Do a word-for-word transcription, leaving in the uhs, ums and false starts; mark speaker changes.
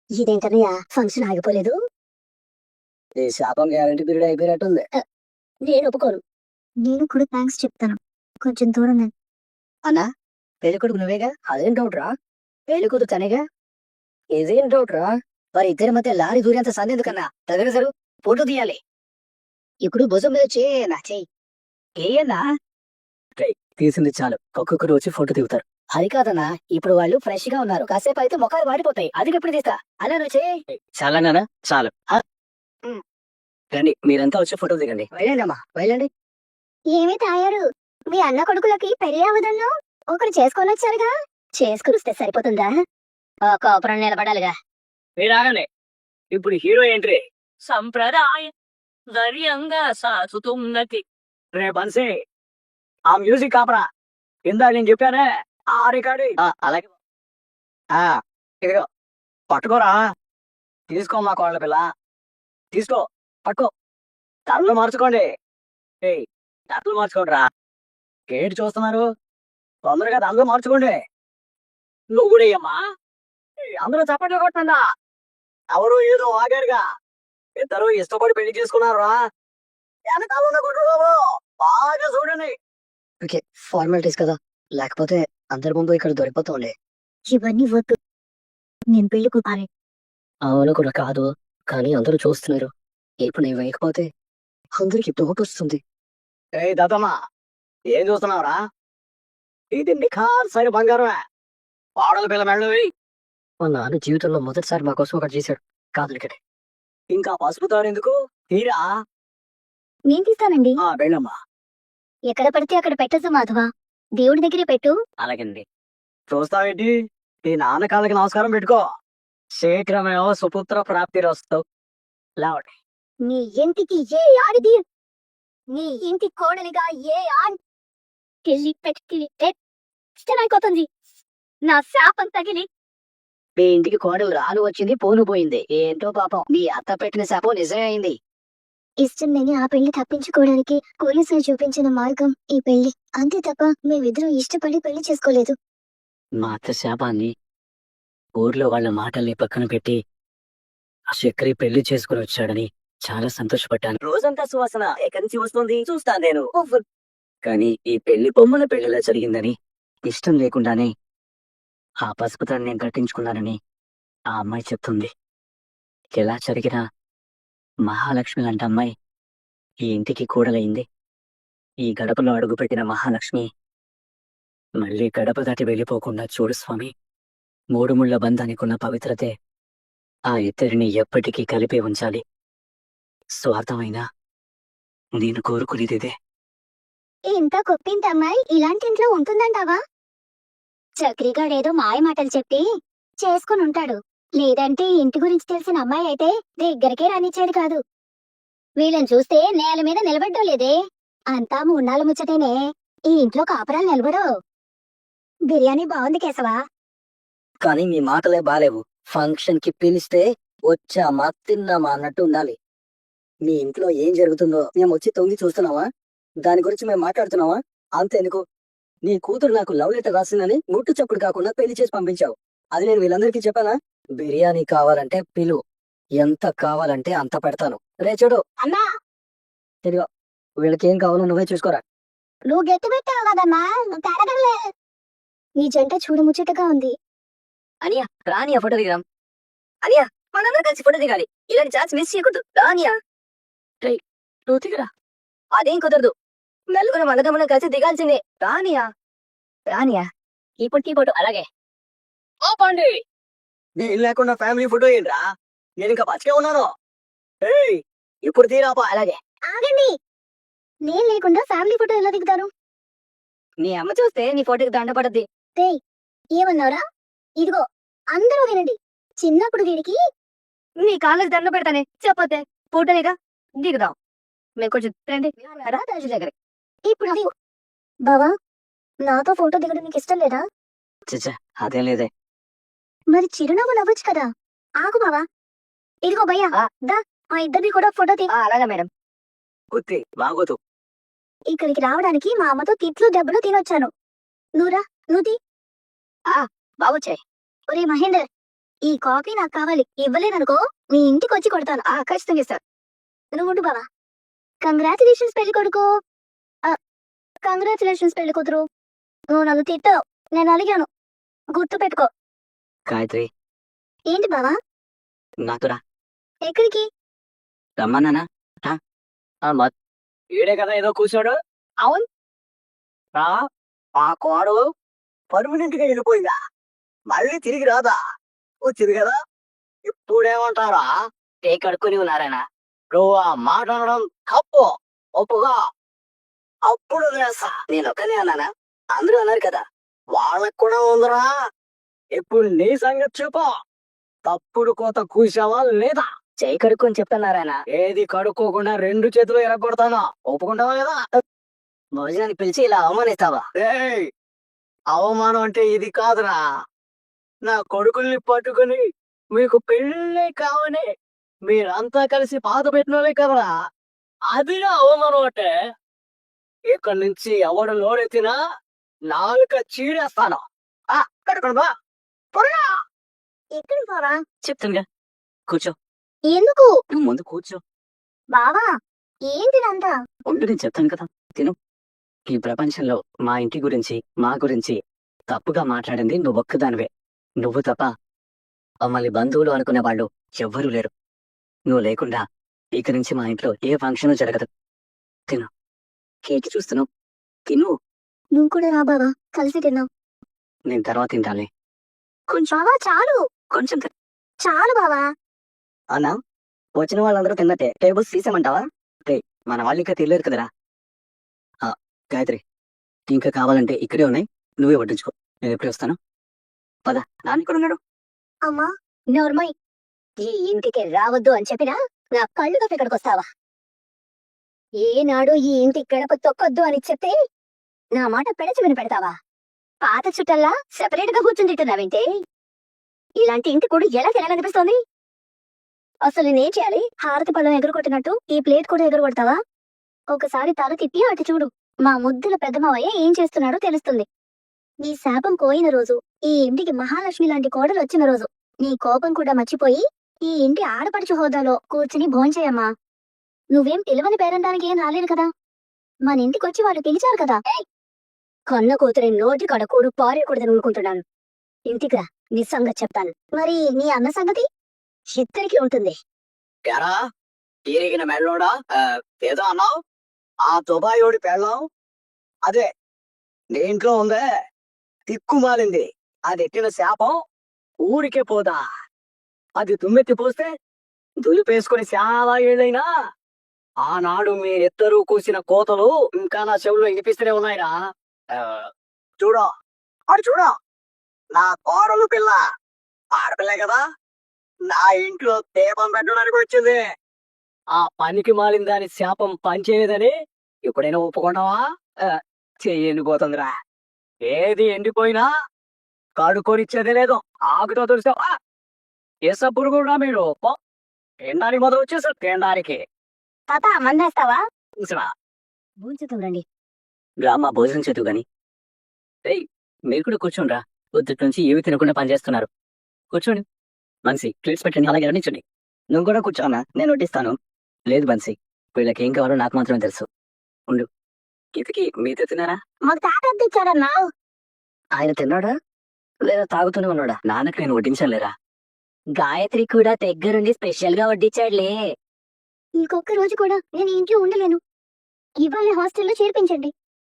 Speaker 1: ఇదేంటన్నయ్య function ఆగిపోలేదు?
Speaker 2: ఈ శాపం గ్యారంటీ పీరియడ్ అయిపోయినట్టుంది.
Speaker 1: నేను ఒప్పుకోను. నేను కూడా థ్యాంక్స్ చెప్తాను. కొంచెం దూరంగా.
Speaker 2: అన్నా పెళ్లి కొడుకు నువ్వేగా, అదేం డౌట్ రా? పెళ్లి కూతురు తనేగా, ఇదేం డౌట్ రా? మరి ఇద్దరి మధ్య లారీ దూరేంత సందేందుకన్నా దగ్గర సరు ఫోటో తీయాలి. ఇప్పుడు భుజం మీద చేయనా చెయ్యి ఏయన్నా తీసింది చాలు, ఒక్కొక్కరు వచ్చి ఫోటో దిగుతారు. అది కాదన్నా, ఇప్పుడు వాళ్ళు ఫ్రెష్ గా ఉన్నారు, కాసేపు అయితే ముఖాలు వాడిపోతాయి. అది ఎప్పుడు తీస్తా అలా నువ్వు చేయి. చాలా నానా చాలు. రండి మీరంతా వచ్చి ఫోటో దిగండి. వెళ్ళండి అమ్మా వెళ్ళండి.
Speaker 1: ఏమి తాయారు? మీ అన్న కొడుకులకి పెళ్లి అవదన్నో ఒకరు చేసుకొని వచ్చారుగా, చేసుకుని వస్తే సరిపోతుందా? ఒక అపురం నిలబడాలిగా.
Speaker 2: మీరు ఆగండి, ఇప్పుడు హీరో ఎంట్రీ.
Speaker 3: సంప్రదాయ ధైర్యంగా సాగుతున్నది.
Speaker 2: రే బన్సీ, ఆ మ్యూజిక్ ఆపరా. ఇందా నేను చెప్పానే ఆ రికార్డు. అలాగే ఆ ఇదిగో పట్టుకోరా. తీసుకో మా కోళ్ళ పిల్ల, తీసుకో పట్టుకో. తలలు మార్చుకోండి. ఏయ్ తలలు మార్చుకోండి రా. గేట్ చూస్తున్నారు, తొందరగా తలలు మార్చుకోండి. నువ్వు కూడా అమ్మా, అందరూ చప్పట్లు కొట్టండా. ఎవరు ఏదో ఆగారుగా, ఇద్దరు ఇష్టపడి పెళ్లి చేసుకున్నారు రా. బాగా చూడండి. ఓకే ఫార్మాలిటీస్ కదా, లేకపోతే అందరి ముందు ఇక్కడ దొరికిపోతాంలే.
Speaker 1: ఇవన్నీ వద్దు, నేను పెళ్లి కూపాలి.
Speaker 2: అవును కూడా కాదు, కానీ అందరూ చూస్తున్నారు. ఇప్పుడు నేను వేయకపోతే అందరికి డౌట్ వస్తుంది. ఏ దత్తమ్మా, ఏం చూస్తున్నావురా? ఇది నిఖార్ సైడ్ బంగారమే. పాడల పిల్ల మెళ్ళు. మా నాన్న జీవితంలో మొదటిసారి మా కోసం ఒకటి చేశాడు, కాదు ఇక్కడ. ఇంకా పసుపుతారు ఎందుకు, తీరా.
Speaker 1: నేను తీస్తానండి.
Speaker 2: ఆ వెళ్ళమ్మా.
Speaker 1: ఎక్కడ పడితే అక్కడ పెట్టదు మాధవా, దేవుడి దగ్గరే పెట్టు.
Speaker 2: అలాగండి. చూస్తావేంటి, ఈ నాన్న కాళ్ళకి నమస్కారం పెట్టుకో. శీఘ్రమేమో సుపుత్ర ప్రాప్తి వస్తావు. లావండి.
Speaker 1: నీ ఇంటికి ఏ ఆడిది, నీ ఇంటి కోడలిగా ఏ ఆడి పెట్టి ఇష్టమైపోతుంది. నా శాపం తగిలి
Speaker 2: మీ ఇంటికి కోడలు రాను వచ్చింది, పోను పోయింది. ఏంటో పాపం, మీ అత్త పెట్టిన శాపం నిజమే అయింది.
Speaker 1: ఇష్టం లేని ఆ పెళ్లి తప్పించుకోవడానికి పోలీసులు చూపించిన మార్గం ఈ పెళ్లి, అంతే తప్ప మేమిద్దరం ఇష్టపడి పెళ్లి చేసుకోలేదు.
Speaker 2: మా అత్త శాపాన్ని, ఊర్లో వాళ్ళ మాటల్ని పక్కన పెట్టి ఆ చక్రి పెళ్లి చేసుకుని వచ్చాడని చాలా సంతోషపడ్డాను. రోజంతా సువాసన ఎక్కడి నుంచి వస్తుంది చూస్తాను నేను. కానీ ఈ పెళ్లి బొమ్మల పెళ్లిలా జరిగిందని, ఇష్టం లేకుండానే ఆ పసుపుతాన్ని నేను కట్టించుకున్నానని ఆ అమ్మాయి చెప్తుంది. ఎలా జరిగినా మహాలక్ష్మి లాంటి అమ్మాయి ఈ ఇంటికి కూడలైంది. ఈ గడపలో అడుగుపెట్టిన మహాలక్ష్మి మళ్ళీ గడప దాటి వెళ్ళిపోకుండా చూడు స్వామి. మూడు ముళ్ల బంధానికి ఉన్న పవిత్రతే ఆ ఇద్దరిని ఎప్పటికీ కలిపి ఉంచాలి. స్వార్థమైనా నేను కోరుకునేదిదే.
Speaker 1: ఇంత కొప్పింత అమ్మాయి ఇలాంటి ఇంట్లో ఉంటుందంటావా? చక్రిగాడేదో మాయ మాటలు చెప్పి చేసుకుని ఉంటాడు, లేదంటే ఇంటి గురించి తెలిసిన అమ్మాయి అయితే దగ్గరికే రానిచ్చేది కాదు. వీళ్ళని చూస్తే నేల మీద నిలబడ్డం లేదే, అంతా మూన్నాళ్ళ ముచ్చటేనే. ఈ ఇంట్లో కాపురాలు నిలబడో. బిర్యానీ బాగుంది కేశవా.
Speaker 2: కానీ మీ మాటలే బాలేవు. ఫంక్షన్ కి పిలిస్తే వచ్చామా తిన్నామా అన్నట్టు ఉండాలి. మీ ఇంట్లో ఏం జరుగుతుందో మేము వచ్చి తొంగి చూస్తున్నావా? దాని గురించి మేము మాట్లాడుతున్నావా? అంతెందుకు, నీ కూతురు నాకు లవ్ లెటర్ రాసిందని ముట్టు చప్పుడు కాకుండా పెళ్లి చేసి పంపించావు. అది నేను వీళ్ళందరికీ చెప్పానా? బిర్యానీ కావాలంటే పిలు, ఎంత కావాలంటే అంత పెడతాను. రే చూడు
Speaker 1: అన్నా,
Speaker 2: ఇదిగో వీళ్ళకి ఏం కావాలో నువ్వే చూసుకోరా.
Speaker 1: నువ్వు గట్టి పెట్టావు కదమ్మా, నువ్వు తేడగలే. నీ జంట చూడముచ్చటగా ఉంది.
Speaker 2: అనియా రానియా ఫోటో దిగాం. అనియా మనందరం కలిసి ఫోటో దిగాలి, ఇలాంటి ఛాన్స్ మిస్ చేయకూడదు. రానియా నువ్వు దిగరా. అదేం కుదరదు, నలుగురు మనదమ్మనం కలిసి దిగాల్సిందే. రానియా రానియా ఇప్పుడు టీ ఫోటో అలాగే. ఓపండి, నేను లేకుండా ఫ్యామిలీ ఫోటో ఏంట్రా? నేను ఇంకా బతికే ఉన్నాను. ఏయ్ ఇప్పుడు తీరాపా. అలాగే.
Speaker 1: ఆగండి, నేను లేకుండా ఫ్యామిలీ ఫోటో ఎలా దిగుతాను?
Speaker 2: నీ అమ్మ చూస్తే నీ ఫోటోకి దండ పడద్ది.
Speaker 1: ఏమన్నావురా? ఇదిగో అందరూ వినండి, చిన్నప్పుడు వీడికి
Speaker 2: నీ కాళ్ళకి దండ పెడతానే, చెప్పొద్దే. ఫోటోనేగా దిగుదాం. మేము కొంచెం రండి రాజు దగ్గర.
Speaker 1: ఇప్పుడు అది బావా, నాతో ఫోటో దిగడం నీకు ఇష్టం లేదా?
Speaker 2: చచ్చా అదేం లేదే.
Speaker 1: మరి చిరునవ్వు నవ్వచ్చు కదా. ఆగు బావా, ఇదిగో భయ్యా, దా మా ఇద్దరిని కూడా ఫోటో తీ.
Speaker 2: అలాగా మేడం. కుత్తి బాగోతు.
Speaker 1: ఇక్కడికి రావడానికి మా అమ్మతో తిట్లు దెబ్బలు తినొచ్చాను. నువ్వురా, నువ్వు తీ.
Speaker 2: బాగొచ్చాయి.
Speaker 1: ఒరే మహేందర్, ఈ కాఫీ నాకు కావాలి. ఇవ్వలేననుకో మీ ఇంటికి వచ్చి కొడతాను. ఆ ఖచ్చితంగా ఇస్తాను. నువ్వు ఉండు బావా. కంగ్రాచులేషన్స్ పెళ్లి కొడుకు. కంగ్రాచులేషన్స్ పెళ్లి కూతురు. నువ్వు నన్ను తిట్టావు, నేను అలిగాను, గుర్తు పెట్టుకో.
Speaker 2: గాయత్రి
Speaker 1: ఏంటి బావా?
Speaker 2: నాతో రా.
Speaker 1: ఎక్కడికి?
Speaker 2: రమ్మన్నానా? రా. ఆ, మా- ఈడే కదా ఏదో కూర్చోడు. అవును రా. ఆ కోడు పర్మనెంట్ గా వెళ్ళిపోయిందా? మళ్ళీ తిరిగి రాదా? వచ్చింది కదా, ఇప్పుడేమంటారా? ఏ కడుక్కొని ఉన్నారాయన. నువ్వు ఆ మాట అనడం తప్పు. ఒప్పుగా అప్పుడు వేస్తా. నేను ఒక్కనే అన్నానా? అందరూ అన్నారు కదా. వాళ్ళకు కూడా ఉందిరా. ఇప్పుడు నీ సంగతి చెప్పు. తప్పుడు కోత కూసావా లేదా? చేయి కడుక్కొని చెప్తున్నారాయన. ఏది కడుక్కోకుండా రెండు చేతులు ఎరగొడతాను. ఒప్పుకుంటావా లేదా? భోజనానికి పిలిచి ఇలా అవమానిస్తావా? ఏయ్, అవమానం అంటే ఇది కాదురా. నా కొడుకుల్ని పట్టుకుని మీకు పెళ్ళే కావని మీరంతా కలిసి పాత పెట్టినోళ్ళే కదరా. అదిగా అవమానం అంటే. ఇక్కడి నుంచి ఎవడు లోడెత్తినా నాలుక చీడేస్తాను. ఆ, కట్టుకోండి బా. త్వరగా.
Speaker 1: ఎక్కడికి బావా?
Speaker 2: చెప్తానుగా, కూర్చో.
Speaker 1: ఎందుకు?
Speaker 2: నువ్వు ముందు కూర్చో.
Speaker 1: బావా ఏంటి ఇదంతా?
Speaker 2: ఉండు, నేను చెప్తాను కదా, తిను. ఈ ప్రపంచంలో మా ఇంటి గురించి మా గురించి తప్పుగా మాట్లాడింది నువ్వు ఒక్కదానివే. నువ్వు తప్ప మమ్మల్ని బంధువులు అనుకునే వాళ్ళు ఎవ్వరూ లేరు. నువ్వు లేకుండా ఇక నుంచి మా ఇంట్లో ఏ ఫంక్షన్ జరగదు. తిను. కేక్ చూస్తున్నావు, తిను.
Speaker 1: నువ్వు కూడా రా బావా, కలిసి తిన్నావు.
Speaker 2: నేను తర్వాత తింటాలే.
Speaker 1: కొంచెం బావా, చాలు
Speaker 2: కొంచెం తి-
Speaker 1: చాలు బావా.
Speaker 2: అన్నా, వచ్చిన వాళ్ళందరూ తిన్నట్టే టేబుల్స్ తీసేమంటావా? రే, మన వాళ్ళు ఇంకా తెలియదు కదరా. ఆ, గాయత్రి, ఇంకా కావాలంటే ఇక్కడే ఉన్నాయి, నువ్వే వడ్డించుకో. నేను ఎప్పుడు వస్తాను. పద, నాన్న ఇక్కడ ఉన్నాడు.
Speaker 1: అమ్మా నోర్మయ్, ఈ ఇంటికి రావద్దు అని చెప్పినా నా కళ్ళు కప్పి ఇక్కడికి వస్తావా? ఏనాడు ఈ ఇంటి గడప తొక్కొద్దు అని చెప్తే నా మాట పెడచి విని పెడతావా? పాత చుట్టల్లా సెపరేట్ గా కూర్చుని తింటున్నావేంటే? ఇలాంటి ఇంటి కూడా ఎలా తినాలనిపిస్తోంది? అసలు నేనేం చేయాలి? హారతి పళ్ళం ఎగురగొట్టినట్టు ఈ ప్లేట్ కూడా ఎగురగొడతావా? ఒకసారి తల తిప్పి అటు చూడు. మా ముద్దుల పెద్దమావయ్య ఏం చేస్తున్నాడో తెలుస్తుంది. నీ శాపం పోయిన రోజు, ఈ ఇంటికి మహాలక్ష్మి లాంటి కోడలు వచ్చిన రోజు, నీ కోపం కూడా మర్చిపోయి ఈ ఇంటి ఆడపడుచు హోదాలో కూర్చుని భోంచేయమ్మా. నువ్వేం పిలవని పేరంటానికి ఏం రాలేదు కదా. మన ఇంటికొచ్చి వాళ్ళు పిలిచారు కదా. ఏయ్! కన్న కూతురి నోటి కడకూడు పారేయకూడదని ఊరుకుంటున్నాను. ఇంటికిరా, నీ సంగతి చెప్తాను. మరి నీ అన్న సంగతి ఇద్దరికి ఉంటుంది.
Speaker 2: ఎరా, తిరిగిన మెళ్ళోడా, ఆ, ఏదో అన్నావు. ఆ దుబాయోడి పెళ్ళం అదే దేంట్లో ఉందే, తిక్కుమాలింది. అది ఎట్టిన శాపం ఊరికే పోదా. అది తుమ్మెత్తి పోస్తే దులిపేసుకుని చాలా ఏళ్ళైనా ఆనాడు మీరిద్దరూ కూసిన కోతలు ఇంకా నా చెవుల్లో వినిపిస్తూనే ఉన్నాయిరా. ఆ, చూడు, అడు చూడు, నా కోడలు పిల్ల ఆడపిల్లే కదా, నా ఇంట్లో దీపం పెట్టడానికి వచ్చింది. ఆ పనికి మాలిన దాని శాపం పనిచేయదని ఇప్పుడైనా ఒప్పుకున్నావా? ఆ, చెయ్యి ఎండిపోతుందిరా. ఏది ఎండిపోయినా కడుకొనిచ్చేది లేదు. ఆకుతో తుడిసావా ఎస పురుగుడా మీరు. పో, తినడానికి మొదలు వచ్చేసారు. తినడానికి
Speaker 1: తాత మందేస్తావా?
Speaker 2: చూసినా
Speaker 1: భూంచుతుండండి.
Speaker 2: గ్రామ భోజనం చేతు గాని. ఏయ్, మీరు కూడా కూర్చోండిరా. పొద్దుటి నుంచి ఏమి తినకుండా పనిచేస్తున్నారు. కూర్చోండి. బన్సీ, ప్లేట్స్ పెట్టండి, అలాగే రణించండి. నువ్వు కూడా కూర్చోనా, నేను వడ్డిస్తాను. లేదు బన్సీ, వీళ్ళకి ఏం కావాలో నాకు మాత్రమే తెలుసు. ఉండు, ఇదికి మీతో తిన్నారా?
Speaker 1: మాకు తాత అద్దెచ్చాడన్నా.
Speaker 2: ఆయన తిన్నాడా లేదా తాగుతూనే ఉన్నాడా? నాన్నకు నేను వడ్డించాలేరా. గాయత్రి కూడా దగ్గరుండి స్పెషల్ గా వడ్డించాడులే.
Speaker 1: ఇంకొక రోజు కూడా నేను ఇంట్లో ఉండలేను. ఇవాళ హాస్టల్లో చేర్పించండి.